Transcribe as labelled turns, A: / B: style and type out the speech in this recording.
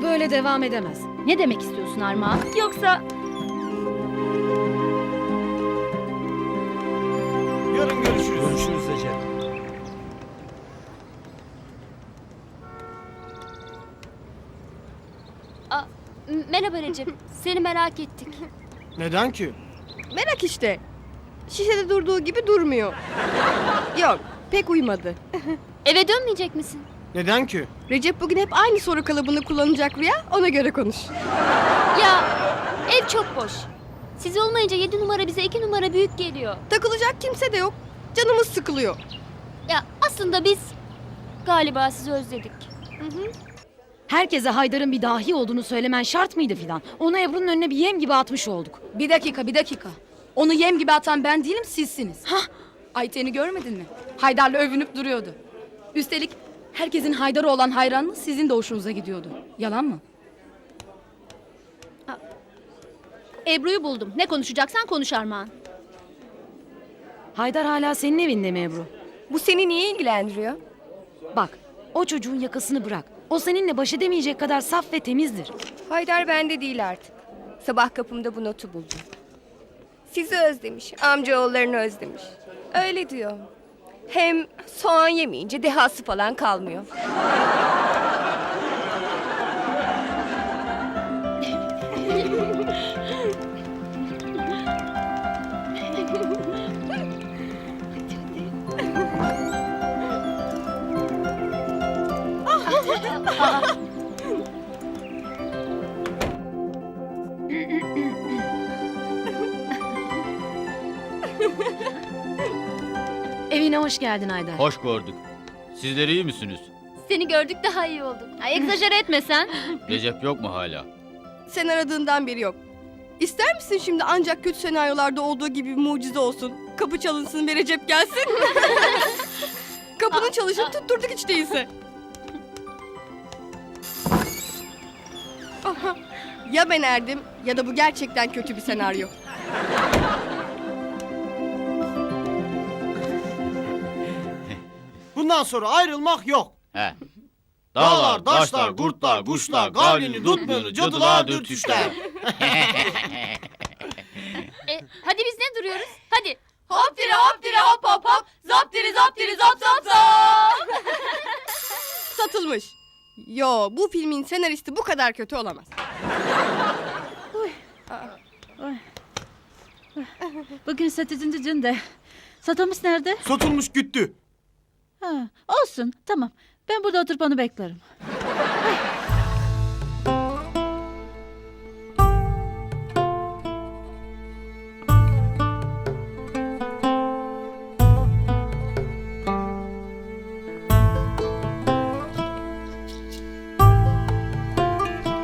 A: böyle devam edemez.
B: Ne demek istiyorsun Armağan? Yoksa...
C: Yarın görüşürüz.
D: Görüşürüz Recep.
B: Merhaba Recep. Seni merak ettik.
C: Neden ki?
E: Merak işte. Şişede durduğu gibi durmuyor. Yok, pek uymadı.
B: Eve dönmeyecek misin?
C: Neden ki?
E: Recep bugün hep aynı soru kalıbını kullanacak Rüya, ona göre konuş.
B: Ya ev çok boş. Siz olmayınca 7 numara bize 2 numara büyük geliyor.
E: Takılacak kimse de yok. Canımız sıkılıyor.
B: Ya aslında biz galiba sizi özledik.
A: Herkese Haydar'ın bir dahi olduğunu söylemen şart mıydı Fidan? Onu Ebru'nun önüne bir yem gibi atmış olduk.
F: Bir dakika. Onu yem gibi atan ben değilim, sizsiniz. Ayten'i görmedin mi? Haydar'la övünüp duruyordu. Üstelik herkesin Haydar'a olan hayranlığı sizin de hoşunuza gidiyordu. Yalan mı?
B: Ebru'yu buldum. Ne konuşacaksan konuş Armağan.
A: Haydar hala senin evinde mi Ebru?
E: Bu seni niye ilgilendiriyor?
A: Bak, o çocuğun yakasını bırak. O seninle baş edemeyecek kadar saf ve temizdir.
G: Haydar bende değil artık. Sabah kapımda bu notu buldum. Sizi özlemiş, amcaoğullarını özlemiş. Öyle diyor. Hem soğan yemeyince dehası falan kalmıyor.
A: Evine hoş geldin Haydar.
H: Hoş gördük. Sizler iyi misiniz?
B: Seni gördük daha iyi olduk. Ay egzajere etme sen.
H: Recep yok mu hala?
E: Sen aradığından beri yok. İster misin şimdi ancak kötü senaryolarda olduğu gibi bir mucize olsun? Kapı çalınsın ve Recep gelsin. Kapının çalışını tutturduk hiç değilse. Aha, ya ben erdim ya da bu gerçekten kötü bir senaryo.
C: Bundan sonra ayrılmak yok.
H: He.
C: Dağlar, taşlar, kurtlar, kuşlar, gavlini, tutmuyordu, cadılar, dürtüşler.
B: Hadi biz ne duruyoruz? Hadi.
E: Hop dire hop dire hop hop hop. Zap dire zap dire zap zap zap. Satılmış. Yo, bu filmin senaristi bu kadar kötü olamaz.
I: Bugün satıcıncı gün de. Satılmış nerede?
C: Satılmış gitti.
I: Ha, olsun tamam. Ben burada oturup onu beklerim.